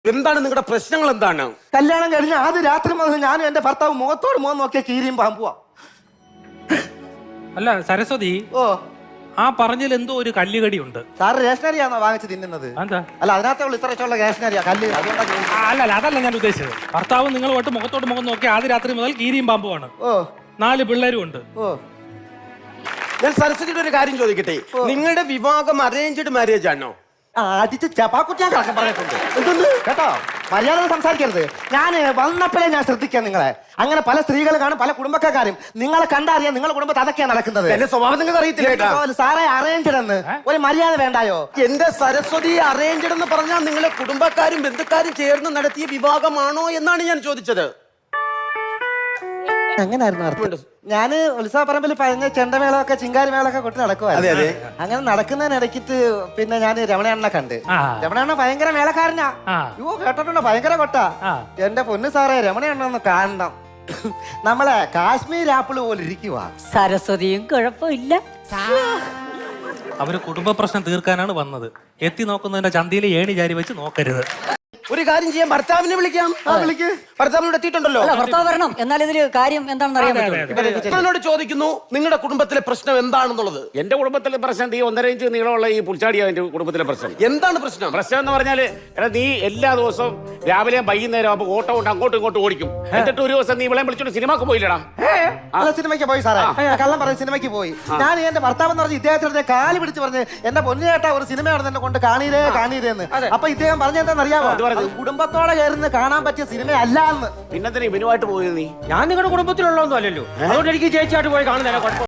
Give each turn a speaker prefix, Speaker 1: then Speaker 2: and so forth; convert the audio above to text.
Speaker 1: എന്താണ് നിങ്ങളുടെ പ്രശ്നങ്ങൾ? എന്താണ്?
Speaker 2: കല്യാണം കഴിഞ്ഞ ആദ്യ രാത്രി മുതൽ ഞാനും എന്റെ ഭർത്താവ് മുഖത്തോട് മുഖം നോക്കിയ കീരിയും പാമ്പുവാ.
Speaker 3: അല്ല സരസ്വതി,
Speaker 2: ഓ
Speaker 3: ആ പറഞ്ഞതിൽ എന്തോ ഒരു കല്ലുകടി ഉണ്ട്.
Speaker 2: സാറ് റേഷനറിയാണോ വാങ്ങിച്ച് തിന്നുന്നത്?
Speaker 3: എന്താ?
Speaker 2: അല്ല അതിനകത്തുള്ള ഇത്രയുള്ള റേഷനറിയാ കല്ല്, അതുകൊണ്ടാണ്.
Speaker 3: അല്ല അതല്ല ഞാൻ ഉദ്ദേശിച്ചത്. ഭർത്താവ് നിങ്ങളുമായിട്ട് മുഖത്തോട് മുഖം നോക്കി ആദ്യ രാത്രി മുതൽ കീരിയും പാമ്പുമാണ്.
Speaker 2: ഓ
Speaker 3: 4 പിള്ളേരും ഉണ്ട്.
Speaker 2: ഓ
Speaker 1: ഞാൻ സരസ്വതിയുടെ ഒരു കാര്യം ചോദിക്കട്ടെ, നിങ്ങളുടെ വിവാഹം അറേഞ്ച്ഡ് മാരേജ് ആണോ?
Speaker 2: അടിച്ച് ചപ്പാക്കുറ്റി ഞാൻ കിടക്കാൻ പറഞ്ഞിട്ടുണ്ട്. എന്തൊന്ന് കേട്ടോ, മര്യാദ സംസാരിക്കരുത്. ഞാൻ വന്നപ്പോഴേ ഞാൻ ശ്രദ്ധിക്കാം നിങ്ങളെ. അങ്ങനെ പല സ്ത്രീകൾ കാണും, പല കുടുംബക്കാരും. നിങ്ങളെ കണ്ടറിയാം നിങ്ങളുടെ കുടുംബത്തിൽ അതൊക്കെയാണ് നടക്കുന്നത്.
Speaker 1: എന്റെ സ്വഭാവം നിങ്ങൾക്ക് അറിയത്തില്ല.
Speaker 2: സാറേ അറേഞ്ച്ഡ് എന്ന് ഒരു മര്യാദ വേണ്ടായോ?
Speaker 1: എന്റെ സരസ്വതി അറേഞ്ച്ഡ് എന്ന് പറഞ്ഞാൽ നിങ്ങളെ കുടുംബക്കാരും ബന്ധുക്കാരും ചേർന്ന് നടത്തിയ വിവാഹമാണോ എന്നാണ് ഞാൻ ചോദിച്ചത്.
Speaker 2: അങ്ങനായിരുന്നു അർത്ഥം. ഞാന് ഉത്സവപ്പറമ്പിൽ പറഞ്ഞ ചെണ്ടമേളമൊക്കെ ചിങ്കാരിമേളൊക്കെ കൊട്ടി നടക്കുവായിരുന്നു. അങ്ങനെ നടക്കുന്നതിനിടയ്ക്കിട്ട് പിന്നെ ഞാൻ രമണയണ്ണനെ കണ്ട്. രമണയണ്ണ ഭയങ്കര മേളക്കാരനാ. യോ കേട്ടിട്ടുണ്ടോ, ഭയങ്കര കൊട്ടാ. എന്റെ പൊന്നു സാറേ, രമണയണ്ണ ഒന്ന് കാണണം. നമ്മളെ കാശ്മീർ ആപ്പിള് പോലെ ഇരിക്കുവാ.
Speaker 4: സരസ്വതിയും കുഴപ്പമില്ല.
Speaker 3: അവര് കുടുംബ പ്രശ്നം തീർക്കാനാണ് വന്നത്. എത്തി നോക്കുന്നതിന്റെ ചന്തയിലെ ഏണി ചാരി വെച്ച് നോക്കരുത്.
Speaker 1: ഒരു കാര്യം ചെയ്യാം, ഭർത്താവിനെ വിളിക്കാം. ഭർത്താവിനോട് എത്തിയിട്ടുണ്ടല്ലോ.
Speaker 4: ഭർത്താവ് വരണം, എന്നാൽ ഇതില് കാര്യം എന്താണെന്ന് അറിയാൻ പറ്റും.
Speaker 1: എന്നോട് ചോദിക്കുന്നു നിങ്ങളുടെ കുടുംബത്തിലെ പ്രശ്നം എന്താണെന്നുള്ളത്.
Speaker 5: എന്റെ കുടുംബത്തിലെ പ്രശ്നം ഈ 1.5 ഇഞ്ച് നീളമുള്ള ഈ പുൽച്ചാടിയാ എന്റെ കുടുംബത്തിലെ പ്രശ്നം.
Speaker 1: എന്താണ് പ്രശ്നം?
Speaker 5: പ്രശ്നം എന്ന് പറഞ്ഞാല് എടാ, നീ എല്ലാ ദിവസവും രാവിലെയും വൈകുന്നേരം ആകുമ്പോൾ ഓട്ടോ കൊണ്ട് അങ്ങോട്ടും ഇങ്ങോട്ടും ഓടിക്കും. എന്നിട്ട് ഒരു ദിവസം നീ ഇവളെ വിളിച്ചോണ്ട് സിനിമക്ക് പോയില്ലടാ.
Speaker 2: സിനിമയ്ക്ക് പോയി സാറേ, കള്ളം പറഞ്ഞ് സിനിമയ്ക്ക് പോയി. ഞാൻ എന്റെ ഭർത്താവ് എന്ന് പറഞ്ഞ ഇദ്ദേഹത്തിന്റെ കാല് പിടിച്ച് പറഞ്ഞ് എന്റെ പൊന്നുചേട്ടാ ഒരു സിനിമയാണ് എന്നെ കൊണ്ട് കാണീരേന്ന്. അപ്പൊ ഇദ്ദേഹം പറഞ്ഞെന്താണെന്നറിയാമോ? കുടുംബത്തോടെ കയറുന്ന കാണാൻ പറ്റിയ സിനിമയല്ല എന്ന്.
Speaker 5: പിന്നെന്തിനാ ഇവനുമായിട്ട് പോയത് നീ?
Speaker 6: ഞാൻ നിങ്ങളുടെ കുടുംബത്തിലുള്ളതൊന്നും അല്ലല്ലോ, അതുകൊണ്ട് എനിക്ക് ചേച്ചിയായിട്ട് പോയി കാണുന്നില്ല.